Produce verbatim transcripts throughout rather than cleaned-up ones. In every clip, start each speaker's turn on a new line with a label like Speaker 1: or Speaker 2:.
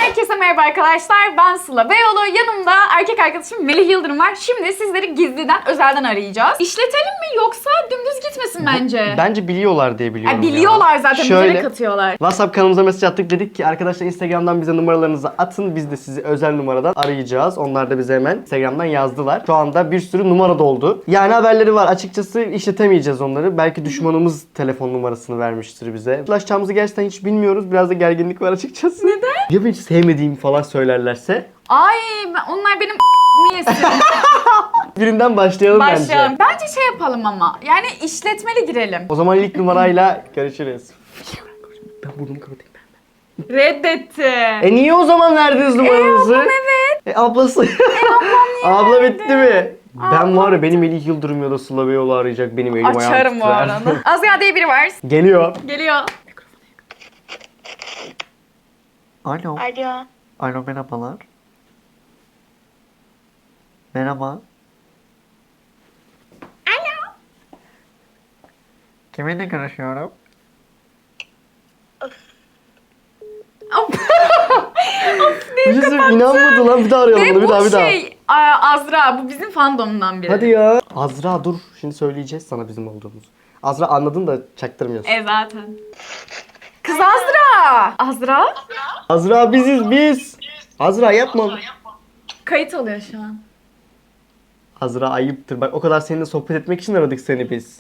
Speaker 1: Herkese merhaba arkadaşlar, ben Sıla Beyoğlu. Yanımda erkek arkadaşım Melih Yıldırım var. Şimdi sizleri gizliden, özelden arayacağız. İşletelim mi yoksa dümdüz gitmesin bence?
Speaker 2: Bence biliyorlar diye biliyorum
Speaker 1: Yani biliyorlar
Speaker 2: ya.
Speaker 1: zaten,
Speaker 2: Şöyle,
Speaker 1: bize katıyorlar.
Speaker 2: WhatsApp kanalımıza mesaj attık, dedik ki arkadaşlar Instagram'dan bize numaralarınızı atın. Biz de sizi özel numaradan arayacağız. Onlar da bize hemen Instagram'dan yazdılar. Şu anda bir sürü numara doldu. Yani haberleri var. Açıkçası işletemeyeceğiz onları. Belki düşmanımız telefon numarasını vermiştir bize. Ulaşacağımızı gerçekten hiç bilmiyoruz. Biraz da gerginlik var açıkçası.
Speaker 1: Neden?
Speaker 2: Ya hiç sevmediğimi falan söylerlerse?
Speaker 1: Ay ben- onlar benim niyesin.
Speaker 2: Birinden başlayalım,
Speaker 1: Başlayalım.
Speaker 2: bence.
Speaker 1: Bence şey yapalım ama. Yani işletmeli girelim.
Speaker 2: O zaman ilk numarayla görüşürüz. Ben burnumu kapatayım.
Speaker 1: Reddetti.
Speaker 2: E niye o zaman verdiniz numaranızı?
Speaker 1: ablam evet.
Speaker 2: E ablası.
Speaker 1: E ablam niye
Speaker 2: Abla
Speaker 1: verdi?
Speaker 2: bitti mi? Ben
Speaker 1: Ablam
Speaker 2: var ya, benim Melih Yıldırım ya da Sıla Beyoğlu arayacak, benim elim ayağım
Speaker 1: Açarım bu
Speaker 2: titrer.
Speaker 1: arada. Azra diye biri var.
Speaker 2: Geliyor.
Speaker 1: Geliyor.
Speaker 2: Alo.
Speaker 3: Alo.
Speaker 2: Alo, merhabalar. Merhaba.
Speaker 1: Alo.
Speaker 2: Kiminle görüşüyorum?
Speaker 1: Of.
Speaker 2: Bir şey söyleyeyim, inanmadı lan, bir daha arayalım
Speaker 1: Ve
Speaker 2: bunu, bir
Speaker 1: bu
Speaker 2: daha bir daha.
Speaker 1: şey a- Azra, bu bizim fandomdan biri.
Speaker 2: Hadi ya. Azra dur, şimdi söyleyeceğiz sana bizim olduğumuzu. Azra anladın da çaktırmıyorsun.
Speaker 1: E zaten. Kız Azra. Azra?
Speaker 2: Azra biziz biz. Azra yapma.
Speaker 1: Kayıt alıyor şu an.
Speaker 2: Azra ayıptır. Bak o kadar seninle sohbet etmek için aradık seni biz.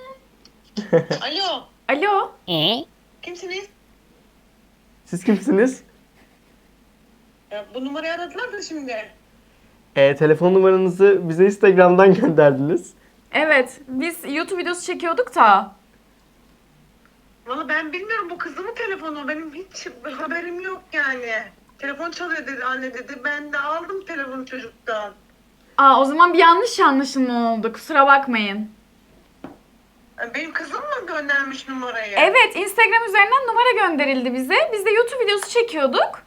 Speaker 3: Alo.
Speaker 1: Alo.
Speaker 3: Kimsiniz?
Speaker 2: Siz kimsiniz?
Speaker 3: Ya, bu numarayı aradılar da şimdi.
Speaker 2: E, telefon numaranızı bize Instagram'dan gönderdiniz.
Speaker 1: Evet, biz YouTube videosu çekiyorduk da.
Speaker 3: Valla ben bilmiyorum, bu kızımın telefonu. Benim hiç haberim yok yani. Telefon çalıyor dedi, anne dedi. Ben de aldım telefonu çocuktan.
Speaker 1: Aa, o zaman bir yanlış anlaşılma oldu. Kusura bakmayın.
Speaker 3: Yani benim kızım mı göndermiş numarayı?
Speaker 1: Evet, Instagram üzerinden numara gönderildi bize. Biz de YouTube videosu çekiyorduk.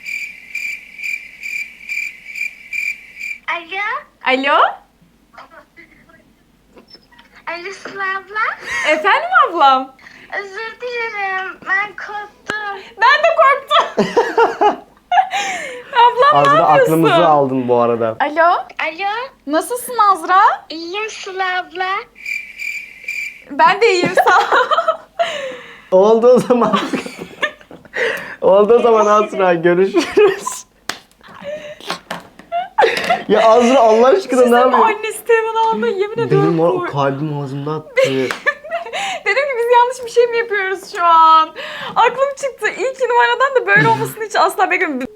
Speaker 4: Alo,
Speaker 1: Alo?
Speaker 4: Alo Sıla abla.
Speaker 1: Efendim ablam?
Speaker 4: Özür dilerim, ben korktum.
Speaker 1: Ben de korktum. Ablam ne
Speaker 2: Azra
Speaker 1: yapıyorsun?
Speaker 2: aklımızı aldın bu arada.
Speaker 1: Alo?
Speaker 4: Alo,
Speaker 1: Nasılsın Azra?
Speaker 4: iyiyim Sıla abla.
Speaker 1: Ben de iyiyim sağ ol.
Speaker 2: Oldu o zaman. Oldu o zaman Azra, görüşürüz. Ya Azra Allah aşkına ne
Speaker 1: Sizin
Speaker 2: yapıyorsun?
Speaker 1: annesi telefonu aldı, yemin ediyorum.
Speaker 2: Benim o
Speaker 1: kork-
Speaker 2: kalbim ağzımda attı.
Speaker 1: Dedim ki biz yanlış bir şey mi yapıyoruz şu an? Aklım çıktı. İlk numaradan da böyle olmasını hiç asla beklemedim.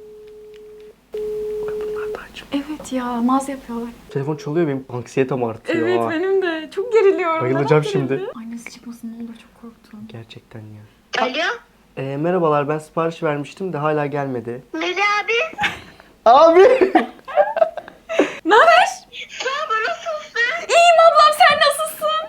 Speaker 1: Evet ya, naz yapıyorlar.
Speaker 2: Telefon çalıyor, benim anksiyetem artıyor.
Speaker 1: Evet
Speaker 2: ha.
Speaker 1: benim de. Çok geriliyorum.
Speaker 2: Bayılacağım
Speaker 1: Neden
Speaker 2: şimdi.
Speaker 1: gerildi? Annesi çıkmasın, ne olur, çok korktum.
Speaker 2: Gerçekten ya.
Speaker 3: Alo.
Speaker 2: Ee, merhabalar, ben sipariş vermiştim de hala gelmedi.
Speaker 4: Melih abi,
Speaker 2: Abi!
Speaker 1: Ne haber?
Speaker 4: Sıla abla nasılsın?
Speaker 1: İyiyim ablam, sen nasılsın?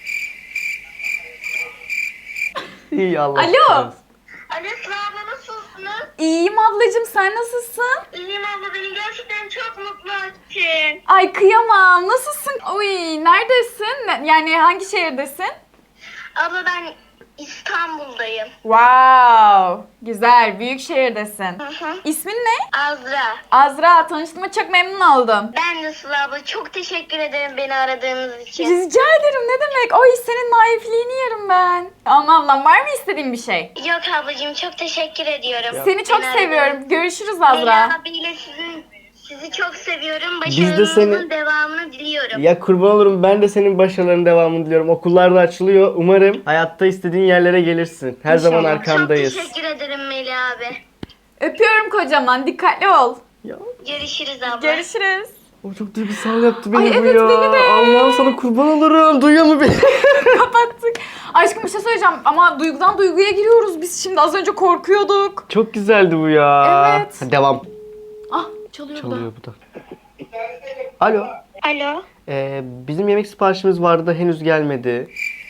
Speaker 2: İyi Allah.
Speaker 1: Alo.
Speaker 2: aşkına.
Speaker 4: Alo Sıla abla nasılsınız?
Speaker 1: İyiyim ablacığım, sen nasılsın?
Speaker 4: İyiyim abla, beni gerçekten çok mutlu ettin.
Speaker 1: Ay kıyamam, nasılsın? Uy, neredesin? Ne- Yani hangi şehirdesin?
Speaker 4: Abla ben İstanbul'dayım.
Speaker 1: Wow, güzel, büyük şehirdesin.
Speaker 4: Hı hı.
Speaker 1: İsmin ne?
Speaker 4: Azra.
Speaker 1: Azra, tanıştığıma çok memnun oldum.
Speaker 4: Ben de Sıla abla, çok teşekkür ederim beni aradığınız için.
Speaker 1: Rica ederim, ne demek? Ay senin naifliğini yerim ben. Tamam ablam, var mı istediğin bir şey?
Speaker 4: Yok ablacığım, çok teşekkür ediyorum.
Speaker 1: Seni çok
Speaker 4: Beni aradığınız-
Speaker 1: seviyorum. Görüşürüz
Speaker 4: Melih
Speaker 1: Azra.
Speaker 4: abiyle sizin, sizi çok seviyorum.
Speaker 2: Biz de
Speaker 4: Başarılarınızın
Speaker 2: seni-
Speaker 4: devamını diliyorum.
Speaker 2: Ya kurban olurum, ben de senin başarıların devamını diliyorum. Okullar da açılıyor. Umarım hayatta istediğin yerlere gelirsin. Her zaman
Speaker 1: İnşallah.
Speaker 2: arkandayız.
Speaker 4: Çok teşekkür ederim Melih abi.
Speaker 1: Öpüyorum kocaman. Dikkatli ol.
Speaker 2: Ya
Speaker 4: Görüşürüz abla.
Speaker 1: Görüşürüz.
Speaker 2: o çok duygusal yaptı beni
Speaker 1: Ay,
Speaker 2: bu
Speaker 1: evet,
Speaker 2: ya.
Speaker 1: beni de.
Speaker 2: Allah'ım sana kurban olurum. Duyuyor mu beni?
Speaker 1: Kapattık. Aşkım bir şey söyleyeceğim ama duygudan duyguya giriyoruz biz şimdi. Az önce korkuyorduk.
Speaker 2: Çok güzeldi bu ya.
Speaker 1: Evet.
Speaker 2: Hadi devam.
Speaker 1: Ah çalıyor, da.
Speaker 2: Çalıyor bu da. Alo.
Speaker 4: Alo.
Speaker 2: Ee, bizim yemek siparişimiz vardı, henüz gelmedi.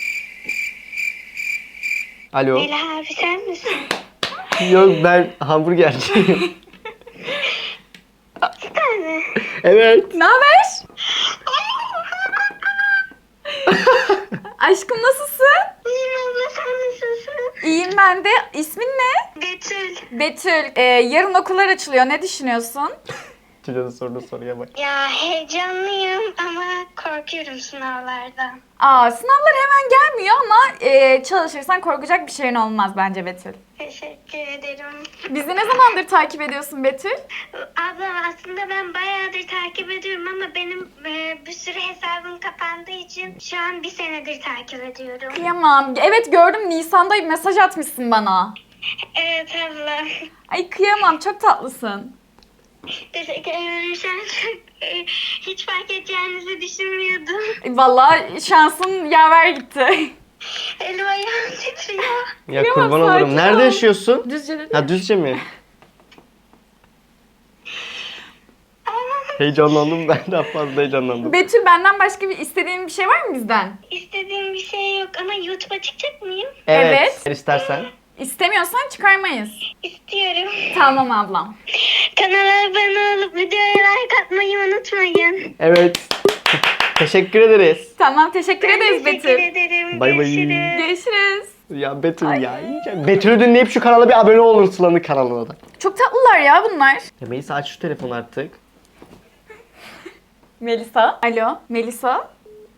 Speaker 2: Alo.
Speaker 4: Melih abi sen misin?
Speaker 2: Yok, ben hamburgerciyim.
Speaker 4: Bir tane.
Speaker 2: Evet.
Speaker 1: Ne haber? Aşkım nasılsın?
Speaker 4: İyiyim abla, sen nasılsın?
Speaker 1: İyiyim ben de. İsmin ne?
Speaker 4: Betül.
Speaker 1: Betül. Ee, yarın okullar açılıyor. Ne düşünüyorsun?
Speaker 2: Çocuğun sorduğu soruya bak.
Speaker 4: Ya heyecanlıyım ama korkuyorum sınavlardan.
Speaker 1: Aa, sınavlar hemen gelmiyor ama e, çalışırsan korkacak bir şeyin olmaz bence Betül.
Speaker 4: Teşekkür ederim.
Speaker 1: Bizi ne zamandır takip ediyorsun Betül?
Speaker 4: Abla aslında ben bayağıdır takip ediyorum ama benim e, bir sürü hesabım kapandığı için şu an bir senedir takip ediyorum.
Speaker 1: Kıyamam. Evet gördüm, Nisan'da mesaj atmışsın bana.
Speaker 4: Evet abla.
Speaker 1: Ay kıyamam, çok tatlısın.
Speaker 4: Teşekkür ederim. Şu an çok, e, hiç fark edeceğinizi düşünmüyordum.
Speaker 1: E, Vallahi şansın yaver gitti.
Speaker 4: Elim ayağım titriyor.
Speaker 2: Ya
Speaker 1: Kıyamam,
Speaker 2: kurban olurum.
Speaker 1: sakin
Speaker 2: Nerede
Speaker 1: ol.
Speaker 2: yaşıyorsun?
Speaker 1: Düzce dedi.
Speaker 2: Ha Düzce mi? Heyecanlandım ben daha fazla heyecanlandım.
Speaker 1: Betül, benden başka bir istediğin bir şey var mı bizden?
Speaker 4: İstediğim bir şey yok ama YouTube'a çıkacak mıyım?
Speaker 1: Evet.
Speaker 2: Eğer istersen.
Speaker 1: İstemiyorsan çıkarmayız.
Speaker 4: İstiyorum.
Speaker 1: Tamam ablam.
Speaker 4: Kanala abone olup videoya like atmayı unutmayın.
Speaker 2: Evet. Teşekkür ederiz.
Speaker 1: Tamam, teşekkür
Speaker 4: Ben
Speaker 1: ederiz
Speaker 4: teşekkür
Speaker 1: Betül.
Speaker 4: ederim.
Speaker 2: Bay bay.
Speaker 4: Görüşürüz.
Speaker 1: Görüşürüz.
Speaker 2: Ya Betül ya. iyice- Betül'ü dinleyip şu kanala bir abone olun, Sıla'nın kanalına da.
Speaker 1: Çok tatlılar ya bunlar.
Speaker 2: Ya Melisa aç şu telefonu artık.
Speaker 1: Melisa. Alo, Melisa.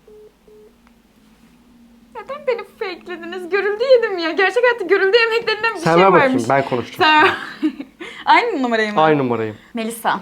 Speaker 1: Neden beni fake'lediniz? Görüldü yedim ya. Gerçek hayatta görüldü yemeklerinden bir
Speaker 2: Sen
Speaker 1: şey
Speaker 2: ver
Speaker 1: varmış.
Speaker 2: bakayım, ben konuşacağım.
Speaker 1: Sen Aynı numarayı mı?
Speaker 2: Aynı numarayım.
Speaker 1: Melisa.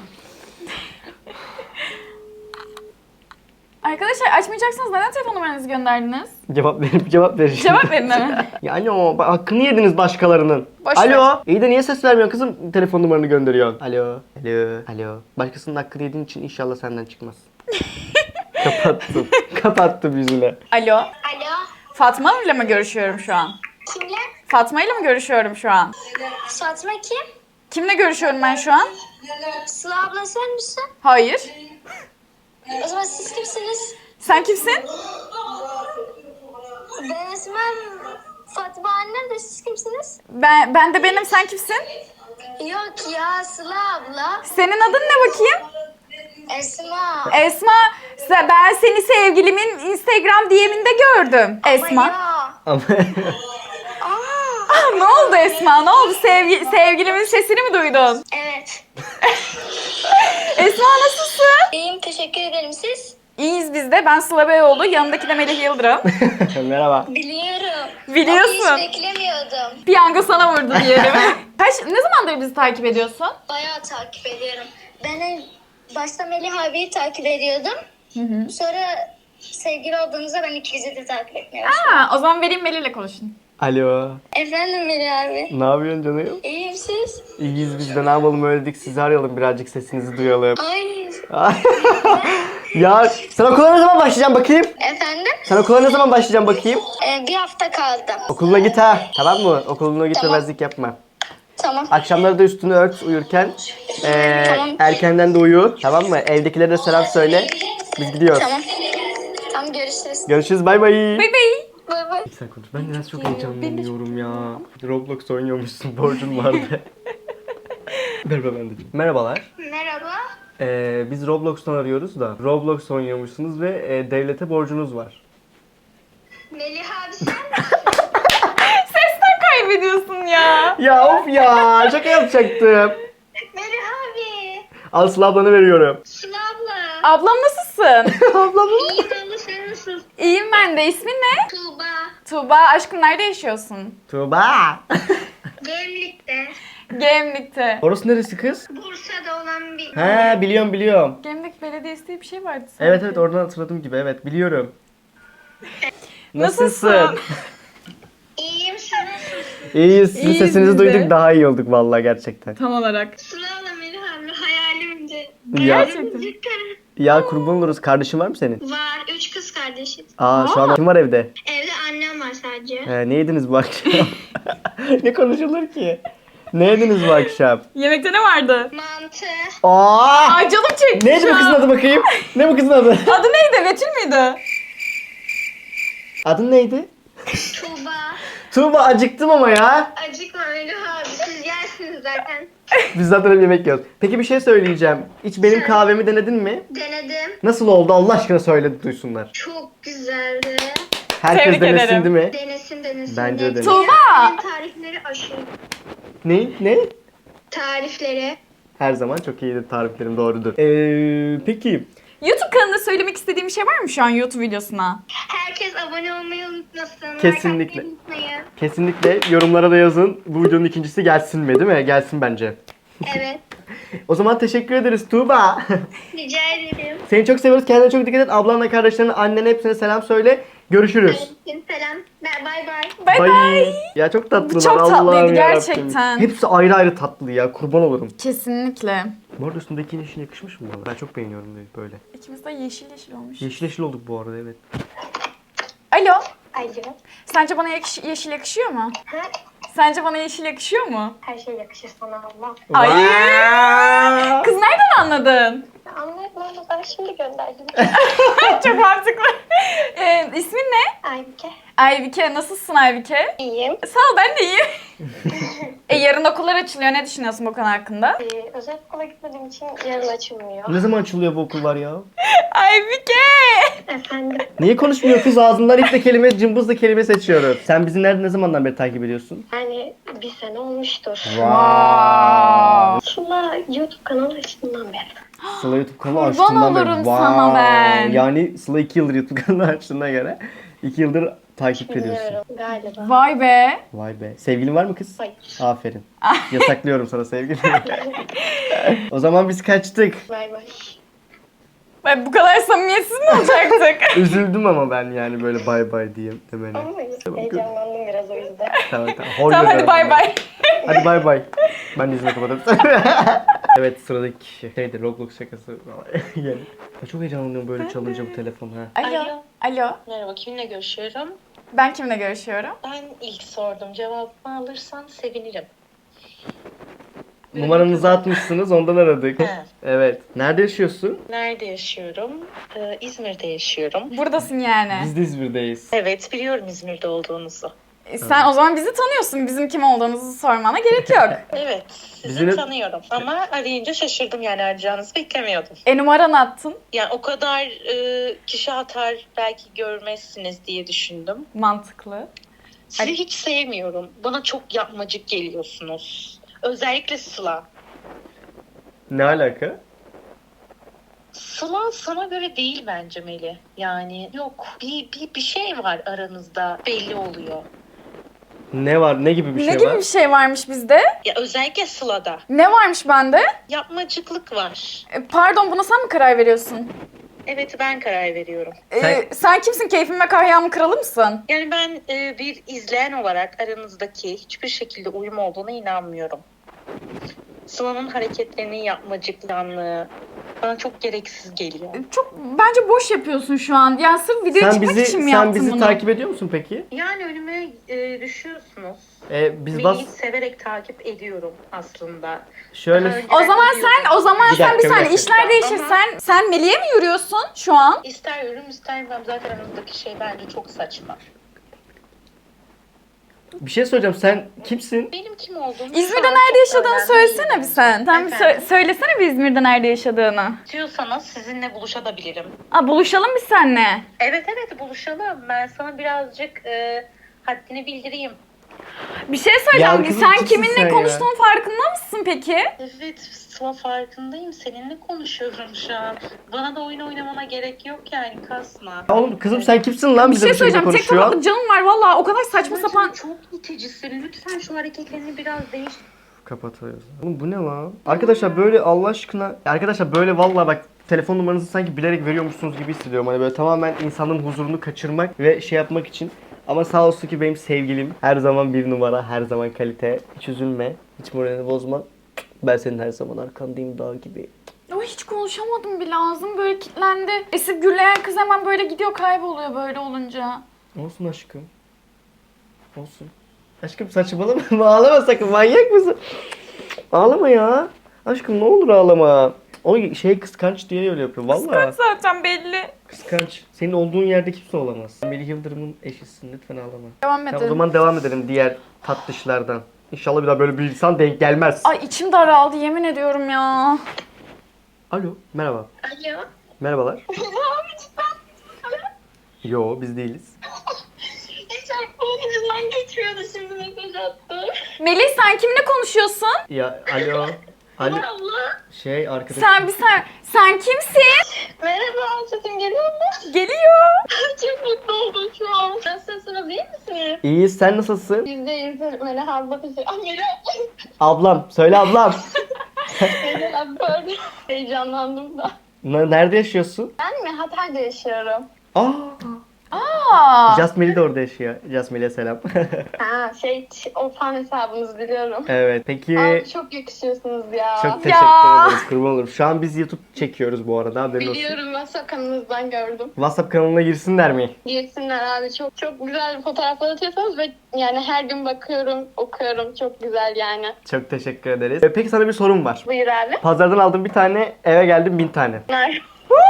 Speaker 1: Arkadaşlar, açmayacaksanız neden telefon numaranızı gönderdiniz?
Speaker 2: Cevap verip cevap vereceğim.
Speaker 1: Cevap verin hemen.
Speaker 2: Yani o bak, hakkını yediniz başkalarının.
Speaker 1: Boş
Speaker 2: Alo.
Speaker 1: ver.
Speaker 2: İyi de niye ses vermiyorsun kızım? Telefon numaranı gönderiyorsun. Alo. Alo. Alo. Başkasının hakkını yediğin için inşallah senden çıkmaz. Kapattım. Kapattım yüzüne.
Speaker 1: Alo.
Speaker 4: Alo.
Speaker 1: Fatma ile mi görüşüyorum şu an?
Speaker 4: Kimle?
Speaker 1: Fatma ile mi görüşüyorum şu an?
Speaker 4: Fatma kim?
Speaker 1: Kimle görüşüyorum ben şu an?
Speaker 4: Sıla abla sen misin?
Speaker 1: Hayır.
Speaker 4: O zaman siz kimsiniz?
Speaker 1: Sen kimsin?
Speaker 4: Ben ismim Fatma annem de siz kimsiniz?
Speaker 1: Ben, ben de benim, sen kimsin?
Speaker 4: Yok ya Sıla abla.
Speaker 1: Senin adın ne bakayım?
Speaker 4: Esma.
Speaker 1: Esma. Se- Ben seni sevgilimin Instagram D M'inde gördüm. Esma.
Speaker 4: Ya.
Speaker 2: Ama
Speaker 4: Aa.
Speaker 1: Ah, ne oldu Esma? Ne oldu? Sevgi sevgilimin sesini mi duydun?
Speaker 4: Evet.
Speaker 1: Esma, nasılsın?
Speaker 4: İyiyim teşekkür ederim siz.
Speaker 1: İyiyiz biz de. Ben Sıla Beyoğlu. Yanındaki de Melih Yıldırım.
Speaker 2: merhaba.
Speaker 4: Biliyorum.
Speaker 1: Biliyorsun.
Speaker 4: Ama hiç beklemiyordum.
Speaker 1: Piyango sana vurdu diyelim. Kaç, ne zamandır bizi takip ediyorsun?
Speaker 4: Bayağı takip ediyorum. Ben en başta Melih abiyi takip ediyordum. Sonra sevgili olduğunuzda ben ikinizi de takip etmeye başladım.
Speaker 1: Ha, o zaman vereyim, Melih'le konuşun.
Speaker 2: Alo.
Speaker 4: Efendim Melih abi.
Speaker 2: Ne yapıyorsun canım?
Speaker 4: İyiyim siz?
Speaker 2: İyiyiz biz de, ne yapalım, öyle dedik, sizi arayalım, birazcık sesinizi duyalım.
Speaker 4: Ay.
Speaker 2: Ya sen okula ne zaman başlayacaksın bakayım?
Speaker 4: Efendim?
Speaker 2: Sen okula ne zaman başlayacaksın bakayım?
Speaker 4: Ee, bir hafta kaldı.
Speaker 2: Okuluna git ha. Tamam mı? Okuluna git,
Speaker 4: Tamam.
Speaker 2: demezlik yapma.
Speaker 4: Tamam.
Speaker 2: Akşamları da üstünü ört uyurken. Ee,
Speaker 4: Tamam.
Speaker 2: Erkenden de uyu. Tamam mı? Evdekilere de selam söyle. Biz gidiyoruz.
Speaker 4: Tamam. Tamam görüşürüz.
Speaker 2: Görüşürüz. Bay bay.
Speaker 1: Bay bay.
Speaker 4: Bay bay.
Speaker 2: Sen konuş. Ben biraz çok heyecanlanıyorum ya. Roblox oynuyormuşsun. Borcun vardı. Merhaba ben de. Merhabalar.
Speaker 4: Merhaba.
Speaker 2: Ee, biz Roblox'tan arıyoruz da. Roblox oynuyormuşsunuz ve e, devlete borcunuz var.
Speaker 4: Melih abi sen
Speaker 1: Sesten kaybediyorsun ya.
Speaker 2: Ya of ya. Şaka yapacaktım.
Speaker 4: Melih abi.
Speaker 2: Al Sıla ablanı veriyorum.
Speaker 4: Sıla abla.
Speaker 1: Ablam nasılsın?
Speaker 2: Ablamı.
Speaker 4: İyiyim abla sen nasılsın?
Speaker 1: İyiyim ben de. İsmin ne?
Speaker 4: Tuğba.
Speaker 1: Tuğba. Aşkım, nerede yaşıyorsun?
Speaker 2: Tuğba.
Speaker 4: Gemlik'te.
Speaker 1: Gemlik'te.
Speaker 2: Orası neresi kız?
Speaker 4: Bursa'da olan bir...
Speaker 2: He biliyorum biliyorum.
Speaker 1: Gemlik Belediyesi diye bir şey vardı sanki.
Speaker 2: Evet evet, oradan hatırladığım gibi, evet biliyorum.
Speaker 1: Nasılsın?
Speaker 4: İyiyim sen nasılsın?
Speaker 2: İyiyiz. Sizin
Speaker 1: İyiyiz
Speaker 2: sesinizi
Speaker 1: biz de.
Speaker 2: duyduk, daha iyi olduk vallahi gerçekten.
Speaker 1: Tam olarak.
Speaker 4: Sıla abla Melih abi hayalimdi.
Speaker 2: Ya.
Speaker 1: Gerçekten.
Speaker 2: Ya kurban oluruz. Kardeşin var mı senin?
Speaker 4: Var. Üç kız kardeşiz.
Speaker 2: Aa, şu an kim var evde?
Speaker 4: Evde annem var sadece.
Speaker 2: He, ne yediniz bu akşam? Ne konuşulur ki? Ne yediniz bu akşam?
Speaker 1: Yemekte ne vardı?
Speaker 4: Mantı.
Speaker 2: Aa!
Speaker 1: Ay canım çekti
Speaker 2: Neydi
Speaker 1: şu
Speaker 2: bu kızın
Speaker 1: an.
Speaker 2: adı bakayım? Ne bu kızın adı?
Speaker 1: Adı neydi? Betül müydü?
Speaker 2: Adın neydi?
Speaker 4: Tuğba.
Speaker 2: Tuğba, acıktım ama ya.
Speaker 4: Acıkma Melih abi. Siz yersiniz zaten.
Speaker 2: Biz zaten hep yemek yiyoruz. Peki bir şey söyleyeceğim. Hiç benim kahvemi denedin mi?
Speaker 4: Denedim.
Speaker 2: Nasıl oldu? Allah aşkına söyle, duysunlar.
Speaker 4: Çok güzeldi.
Speaker 2: Herkes
Speaker 1: Tebrik
Speaker 2: denesin
Speaker 1: ederim.
Speaker 2: değil mi?
Speaker 4: Denesin denesin.
Speaker 2: Bence de denesin.
Speaker 1: Tuğba!
Speaker 4: Tarifleri aşırı.
Speaker 2: Ne? Ne?
Speaker 4: Tarifleri.
Speaker 2: Her zaman çok iyidir tariflerim, doğrudur. Ee, peki.
Speaker 1: YouTube kanalında söylemek istediğim bir şey var mı şu an YouTube videosuna?
Speaker 4: Herkes abone olmayı unutmasın.
Speaker 2: Kesinlikle.
Speaker 4: Like atmayı unutmayın.
Speaker 2: Kesinlikle yorumlara da yazın. Bu videonun ikincisi gelsin mi, değil mi? Gelsin bence.
Speaker 4: Evet.
Speaker 2: O zaman teşekkür ederiz Tuğba.
Speaker 4: Rica ederim.
Speaker 2: Seni çok seviyoruz. Kendine çok dikkat et. Ablanla, kardeşlerine, annene hepsine selam söyle. Görüşürüz.
Speaker 4: Selam. Bay bay.
Speaker 1: Bay bay.
Speaker 2: Ya çok tatlılar.
Speaker 1: Çok tatlıydı
Speaker 2: Allah'ım
Speaker 1: gerçekten.
Speaker 2: yarabbim. Hepsi ayrı ayrı tatlı ya. Kurban olurum.
Speaker 1: Kesinlikle.
Speaker 2: Bu arada üstündeki yeşil yakışmış mı bana? Ben çok beğeniyorum böyle.
Speaker 1: İkimiz de yeşil yeşil olmuş.
Speaker 2: Yeşil yeşil olduk bu arada, evet.
Speaker 1: Alo.
Speaker 4: Alo.
Speaker 1: Sence bana yakış- yeşil yakışıyor mu?
Speaker 4: Ha?
Speaker 1: Sence bana yeşil yakışıyor mu?
Speaker 4: Her şey yakışır sana Allah.
Speaker 1: Ay.
Speaker 2: Wow.
Speaker 1: Kız nereden anladın?
Speaker 4: Anladım ama ben şimdi gönderdim.
Speaker 1: Çok mantıklı. Ee, ismin ne?
Speaker 4: Aybike.
Speaker 1: Aybike. Nasılsın Aybike?
Speaker 4: İyiyim.
Speaker 1: Sağ ol, ben de iyiyim. e, yarın okullar açılıyor. Ne düşünüyorsun bu konu hakkında?
Speaker 4: Ee, özel okula gitmediğim için yarın açılmıyor.
Speaker 2: Ne zaman açılıyor bu okullar ya?
Speaker 1: Aybike!
Speaker 4: Efendim.
Speaker 2: Niye konuşmuyor kız? Ağzından iple kelime, cımbızla kelime seçiyoruz. Sen bizi nerede, ne zamandan beri takip ediyorsun?
Speaker 4: Yani bir sene olmuştur.
Speaker 1: Wow.
Speaker 4: Sıla YouTube kanalı açtığından beri.
Speaker 2: Sıla YouTube kanalı
Speaker 1: Kurban
Speaker 2: açtığından beri.
Speaker 1: olurum sana ben.
Speaker 2: Yani Sıla iki yıldır YouTube kanalı açtığına göre iki yıldır takip ediyorsun.
Speaker 4: Bilmiyorum galiba.
Speaker 1: Vay be.
Speaker 2: Vay be. Sevgilin var mı kız?
Speaker 4: Hayır.
Speaker 2: Aferin. Yasaklıyorum sana sevgili. O zaman biz kaçtık.
Speaker 4: Bay bay.
Speaker 1: Ben bu kadar samimiyetsiz mi olacaktık?
Speaker 2: Üzüldüm ama ben yani böyle bay bay diye demene.
Speaker 4: Ama
Speaker 2: Tamam,
Speaker 4: heyecanlandım biraz o yüzden.
Speaker 2: Tamam tamam. Hor
Speaker 1: Tamam hadi
Speaker 2: görüyorum.
Speaker 1: bay bay.
Speaker 2: Hadi bay bay. Ben yüzüne kapatırım. Evet, sıradaki kişi. Şeydi, Roblox şakası. Yani. Ya çok heyecanlanıyorum böyle çalınca bu telefon ha.
Speaker 1: Alo.
Speaker 5: Alo.
Speaker 1: Alo.
Speaker 5: Merhaba, kiminle görüşüyorum?
Speaker 1: Ben kimle görüşüyorum?
Speaker 5: Ben ilk sordum. Cevabımı alırsan sevinirim.
Speaker 2: Numaranızı atmışsınız, ondan aradık.
Speaker 5: He.
Speaker 2: Evet. Nerede yaşıyorsun?
Speaker 5: Nerede yaşıyorum? Ee, İzmir'de yaşıyorum.
Speaker 1: Buradasın yani.
Speaker 2: Biz de İzmir'deyiz.
Speaker 5: Evet, biliyorum İzmir'de olduğunuzu.
Speaker 1: E, Sen o zaman bizi tanıyorsun. Bizim kim olduğumuzu sormana gerek yok.
Speaker 5: Evet, sizi
Speaker 2: Bizim-
Speaker 5: tanıyorum. Ama arayınca şaşırdım, yani arayacağınızı beklemiyordum.
Speaker 1: E numaranı attın.
Speaker 5: Yani o kadar e, kişi atar, belki görmezsiniz diye düşündüm.
Speaker 1: Mantıklı.
Speaker 5: Sizi hiç sevmiyorum. Bana çok yapmacık geliyorsunuz. Özellikle Sıla.
Speaker 2: Ne alaka?
Speaker 5: Sıla sana göre değil bence Melih. Yani yok, bir, bir, bir şey var aranızda, belli oluyor.
Speaker 2: Ne var? Ne gibi bir
Speaker 1: ne
Speaker 2: şey
Speaker 1: gibi
Speaker 2: var?
Speaker 1: bir şey varmış bizde?
Speaker 5: Ya özellikle Sıla'da
Speaker 1: Ne varmış bende?
Speaker 5: yapmacıklık var.
Speaker 1: E, pardon, buna sen mi karar veriyorsun?
Speaker 5: Evet, ben karar veriyorum.
Speaker 1: E,
Speaker 2: Sen-
Speaker 1: sen kimsin? Keyfim ve kahyamın kralı mısın?
Speaker 5: Yani ben e, bir izleyen olarak aranızdaki hiçbir şekilde uyum olduğuna inanmıyorum. Sıla'nın hareketlerinin yapmacıklanlığı bana çok gereksiz geliyor.
Speaker 1: E, Çok bence boş yapıyorsun şu an. Yani sırf videoya
Speaker 2: Sen
Speaker 1: çıkmak
Speaker 2: bizi
Speaker 1: için mi
Speaker 2: sen
Speaker 1: yaptın
Speaker 2: bizi
Speaker 1: bunu?
Speaker 2: takip ediyor musun peki?
Speaker 5: Yani önüme e, düşüyorsunuz.
Speaker 2: Ee, biz
Speaker 5: Melih'i
Speaker 2: bas
Speaker 5: severek takip ediyorum aslında.
Speaker 2: şöyle
Speaker 5: Daha önce
Speaker 1: O zaman
Speaker 5: biliyordum.
Speaker 1: sen o zaman
Speaker 2: Bir
Speaker 1: sen bir
Speaker 2: dakika, bir
Speaker 1: saniye
Speaker 2: dakika.
Speaker 1: işler değişir.
Speaker 5: Ama-
Speaker 1: Sen sen Melih'e mi yürüyorsun şu an?
Speaker 5: İster yorum ister ben zaten aranızdaki şey bence çok saçma.
Speaker 2: bir şey soracağım. Sen kimsin?
Speaker 5: Benim kim olduğumu
Speaker 1: İzmir'de
Speaker 5: şu an
Speaker 1: nerede
Speaker 5: çok
Speaker 1: yaşadığını
Speaker 5: önemli
Speaker 1: söylesene
Speaker 5: değil.
Speaker 1: bir sen. Sen bir
Speaker 5: Efendim?
Speaker 1: sö- söylesene bir İzmir'de nerede yaşadığını.
Speaker 5: İstiyorsanız sizinle buluşabilirim.
Speaker 1: Aa, buluşalım biz seninle.
Speaker 5: Evet evet buluşalım. Ben sana birazcık e, haddini bildireyim.
Speaker 1: Bir şey söyleyeceğim.
Speaker 2: Ya kızım,
Speaker 1: Sen
Speaker 2: kimsin
Speaker 1: kiminle
Speaker 2: sen ya?
Speaker 1: konuştuğun farkında mısın peki?
Speaker 5: Evet Sıla farkındayım. Seninle konuşuyorum şu an. Bana da oyun oynamana gerek yok yani kasma.
Speaker 2: Ya oğlum kızım sen kimsin lan
Speaker 1: Bir
Speaker 2: bize
Speaker 1: şey
Speaker 2: bu şekilde
Speaker 1: söyleyeceğim. Tek
Speaker 2: konuşuyor?
Speaker 1: tabaklık canım var valla. O kadar saçma
Speaker 5: Sıla,
Speaker 1: sapan.
Speaker 5: Çok iticisin. Lütfen şu hareketlerini biraz değiş.
Speaker 2: Kapatıyoruz. Oğlum bu ne lan? Arkadaşlar böyle Allah aşkına. Arkadaşlar böyle vallahi bak telefon numaranızı sanki bilerek veriyormuşsunuz gibi hissediyorum. Hani böyle tamamen insanların huzurunu kaçırmak ve şey yapmak için. Ama sağ olsun ki benim sevgilim her zaman bir numara, her zaman kalite. Hiç üzülme, hiç moralini bozma. Ben senin her zaman arkandayım dağ gibi.
Speaker 1: O hiç konuşamadım bile. Ağzım böyle kilitlendi. Esip gürleyen kız hemen böyle gidiyor, kayboluyor böyle olunca.
Speaker 2: Olsun aşkım. Olsun. Aşkım saçmalama. Ağlama sakın. Manyak mısın? Ağlama ya. Aşkım ne olur ağlama. O şey kıskanç diye öyle yapıyor. Vallahi.
Speaker 1: Kıskanç zaten belli.
Speaker 2: Kıskanç. Senin olduğun yerde kimse olamaz. Melih Yıldırım'ın eşisin. Lütfen ağlama.
Speaker 1: Devam
Speaker 2: Tamam,
Speaker 1: edelim.
Speaker 2: o zaman devam edelim diğer tatlışlardan. İnşallah bir daha böyle bir insan denk gelmez.
Speaker 1: Ay içim daraldı yemin ediyorum ya.
Speaker 2: Alo. Merhaba.
Speaker 4: Alo.
Speaker 2: Merhabalar. Yo biz değiliz.
Speaker 4: Çarpmanın ucundan geçmiyordu, şimdi mesaj attı.
Speaker 1: Melih sen kimle konuşuyorsun?
Speaker 2: Ya alo. Alo.
Speaker 4: Abla.
Speaker 2: Şey arkadaş.
Speaker 1: Sen bir sen sen kimsin?
Speaker 4: Merhaba, sesim geliyor mu?
Speaker 1: Geliyor.
Speaker 4: Çok mutlu oldum şu an. Nasılsınız, iyi misiniz?
Speaker 2: İyi, sen nasılsın?
Speaker 4: Biz de iyiyiz. Melih abla bizi... Ah Melih
Speaker 2: Ablam. Söyle ablam.
Speaker 4: Melih abla pardon. Heyecanlandım da.
Speaker 2: N- Nerede yaşıyorsun?
Speaker 4: Ben mi? Hatay'da yaşıyorum.
Speaker 2: Aa.
Speaker 1: Aa.
Speaker 2: Jasmine de orada yaşıyor. Jasmine'e selam.
Speaker 4: Ha şey, o fan hesabınızı biliyorum.
Speaker 2: Evet. Peki.
Speaker 4: Abi çok yakışıyorsunuz ya.
Speaker 2: Çok teşekkür ederiz. Kurban olurum. Şu an biz YouTube çekiyoruz bu arada. Haberin olsun.
Speaker 4: Biliyorum, ben kanalınızdan gördüm.
Speaker 2: WhatsApp kanalına girsinler mi?
Speaker 4: Girsinler abi, çok çok güzel fotoğraflar atıyorsunuz ve yani her gün bakıyorum, okuyorum. Çok güzel yani.
Speaker 2: Çok teşekkür ederiz. E, Peki sana bir sorum var.
Speaker 4: Buyur abi.
Speaker 2: Pazardan aldım bir tane, eve geldim bin tane.
Speaker 4: Bunlar.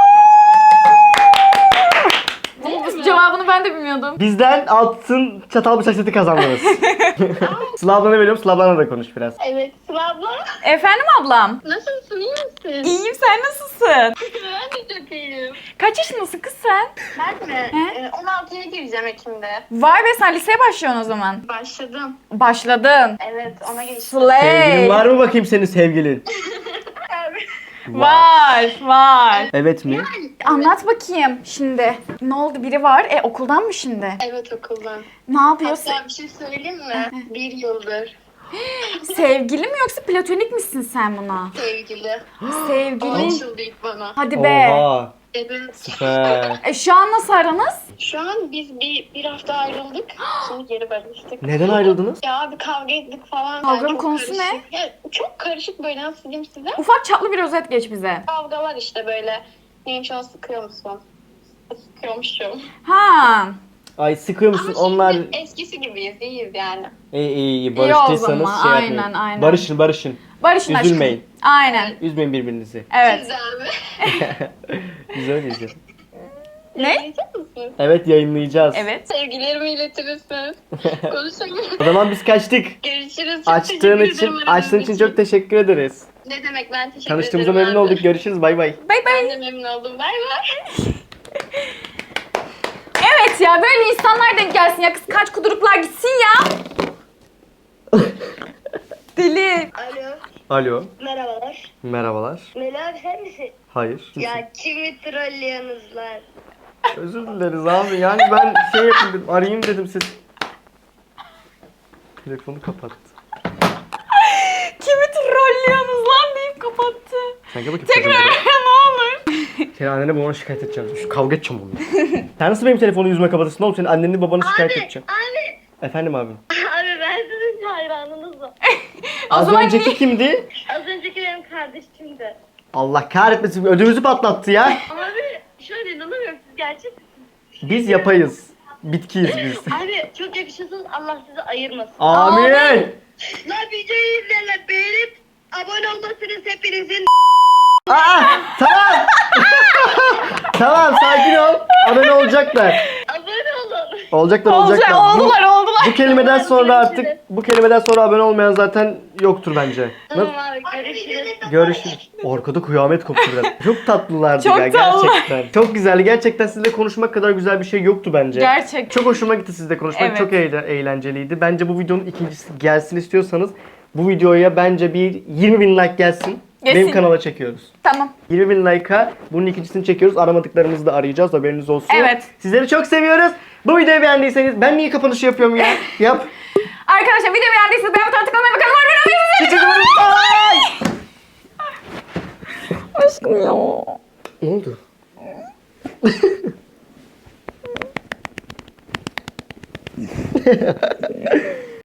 Speaker 1: Bu cevabını ben de bilmiyordum.
Speaker 2: Bizden altın çatal bıçak seti kazandınız. Sıla ablana veriyorum. Sıla ablanla da konuş biraz.
Speaker 4: Evet, Sıla abla.
Speaker 1: Efendim ablam?
Speaker 4: Nasılsın, iyi misin?
Speaker 1: İyiyim, sen nasılsın?
Speaker 4: Ben de çok iyiyim.
Speaker 1: Kaç yaşındasın kız sen?
Speaker 4: Ben mi?
Speaker 1: He?
Speaker 4: Ee, on altıya gireceğim Ekim'de.
Speaker 1: Vay be, sen liseye başlıyorsun o zaman.
Speaker 4: Başladım.
Speaker 1: Başladın.
Speaker 4: Evet, ona geçtim.
Speaker 2: Sevgilin
Speaker 1: Slay.
Speaker 2: var mı bakayım senin sevgilin?
Speaker 1: Var, var.
Speaker 2: Evet mi?
Speaker 1: Anlat bakayım şimdi. Ne oldu, biri var? E okuldan mı şimdi?
Speaker 4: Evet, okuldan.
Speaker 1: Ne yapıyorsun?
Speaker 4: Hatta bir şey söyleyeyim mi? Bir yıldır
Speaker 1: Sevgili mi yoksa platonik misin sen buna?
Speaker 4: sevgili.
Speaker 1: Sevgili.
Speaker 4: Açıldı ilk bana.
Speaker 1: Hadi be.
Speaker 2: Oha.
Speaker 4: Evet.
Speaker 2: Süper.
Speaker 1: E şu an nasıl aranız?
Speaker 4: Şu an biz bir, bir hafta ayrıldık. Şimdi geri barıştık.
Speaker 2: Neden ayrıldınız?
Speaker 4: Ya abi kavga ettik falan.
Speaker 1: Kavganın
Speaker 4: Yani çok
Speaker 1: konusu
Speaker 4: karışık. Ya, çok karışık böyle, nasıl diyeyim size?
Speaker 1: Ufak çaplı bir özet geç bize.
Speaker 4: Kavgalar işte böyle. Neyim, şu an sıkıyor musun? Sıkıyormuşum.
Speaker 1: Ha.
Speaker 2: Ay sıkıyor musun?
Speaker 4: Ama
Speaker 2: Onlar
Speaker 4: şimdi eskisi gibiyiz, iyiyiz yani.
Speaker 2: iyi iyi iyi
Speaker 1: İyi o
Speaker 2: barıştıysanız
Speaker 1: zaman,
Speaker 2: şey
Speaker 1: aynen,
Speaker 2: yapmayın.
Speaker 1: aynen.
Speaker 2: Barışın barışın.
Speaker 1: Barış'ın aşkım.
Speaker 2: Üzülmeyin.
Speaker 1: Aynen.
Speaker 2: Üzmeyin birbirinizi.
Speaker 1: Evet.
Speaker 4: Siz de abi.
Speaker 2: Biz öyleyiz ya.
Speaker 1: Ne?
Speaker 4: Yiyecek misiniz?
Speaker 2: Evet yayınlayacağız.
Speaker 1: Evet.
Speaker 4: Sevgilerimi iletirsiniz. Konuşamıyorum.
Speaker 2: O zaman biz kaçtık.
Speaker 4: Görüşürüz. Çok
Speaker 2: Açtığın
Speaker 4: teşekkür
Speaker 2: için,
Speaker 4: ederim
Speaker 2: açtığın
Speaker 4: aradığınız
Speaker 2: için çok teşekkür ederiz.
Speaker 4: Ne demek, ben teşekkür
Speaker 2: Tanıştığımıza
Speaker 4: ederim.
Speaker 2: memnun
Speaker 4: abi.
Speaker 2: olduk. Görüşürüz. Bay bay.
Speaker 1: Bay bay.
Speaker 4: Ben de memnun oldum. Bay bay.
Speaker 1: Evet ya, böyle insanlar denk gelsin ya, kız kaç kuduruklar gitsin ya. Deli.
Speaker 4: Alo.
Speaker 2: Alo.
Speaker 4: Merhabalar.
Speaker 2: Merhabalar.
Speaker 4: Melih abi sen misin?
Speaker 2: Hayır. kimsin?
Speaker 4: Ya kimi trollüyorsunuz lan?
Speaker 2: Özür dileriz abi. Yani ben şey yapayım dedim. Arayayım dedim siz. Telefonu kapattı.
Speaker 1: Kimi trollüyorsunuz lan deyip kapattı.
Speaker 2: Sen gel bakayım.
Speaker 1: Tekrar
Speaker 2: çocuğum
Speaker 1: ara ne olur.
Speaker 2: buraya. Seni annene babana şikayet edeceğim. Şu kavga edeceğim onunla. Sen nasıl benim telefonu yüzüme kapatırsın oğlum? Senin anneni babanı şikayet edeceğim.
Speaker 4: Abi.
Speaker 2: Efendim abim.
Speaker 4: Abi ben sizin hayranınızım.
Speaker 2: Az
Speaker 1: zaman
Speaker 2: önceki
Speaker 1: niye-
Speaker 2: kimdi?
Speaker 4: Az önceki benim kardeşimdi.
Speaker 2: Allah kahretmesin. Ödümüzü patlattı ya.
Speaker 4: Abi şöyle inanamıyorum, siz gerçek.
Speaker 2: Biz yapayız. Bitkiyiz biz.
Speaker 4: Abi çok yakışıyorsunuz, Allah sizi ayırmasın.
Speaker 2: Amin.
Speaker 4: La videoyu izleyenler beğenip abone olmasınız hepinizin.
Speaker 2: Aa, tamam. Tamam sakin ol. Abone olacaklar.
Speaker 4: Abone olun.
Speaker 2: Olacaklar
Speaker 1: Olacak,
Speaker 2: olacaklar. Bu-
Speaker 1: oldular oldular.
Speaker 2: Bu kelimeden sonra artık bu kelimeden sonra abone olmayan zaten yoktur bence.
Speaker 4: Tamam abi, görüşürüz.
Speaker 2: Görüşürüz. Orkada kıyamet koptu biraz. Çok tatlılardı
Speaker 1: Çok
Speaker 2: ya
Speaker 1: tatlı.
Speaker 2: gerçekten. Çok güzeldi. Gerçekten sizinle konuşmak kadar güzel bir şey yoktu bence.
Speaker 1: Gerçek.
Speaker 2: Çok hoşuma gitti sizle konuşmak.
Speaker 1: Evet.
Speaker 2: Çok eğle- eğlenceliydi. Bence bu videonun ikincisi gelsin istiyorsanız bu videoya bence bir yirmi bin like gelsin.
Speaker 1: Gelsin.
Speaker 2: Benim kanala çekiyoruz.
Speaker 1: Tamam.
Speaker 2: yirmi bin like'a bunun ikincisini çekiyoruz. Aramadıklarımızı da arayacağız. Haberiniz olsun.
Speaker 1: Evet.
Speaker 2: Sizleri çok seviyoruz. Bu videoyu beğendiyseniz ben niye kapanışı yapıyorum ya? Yap.
Speaker 1: Arkadaşlar video beğendiyseniz beğen butonuna tıklamayı bakalım.
Speaker 2: Bye.
Speaker 1: Aşkım ya.
Speaker 2: Ne oldu?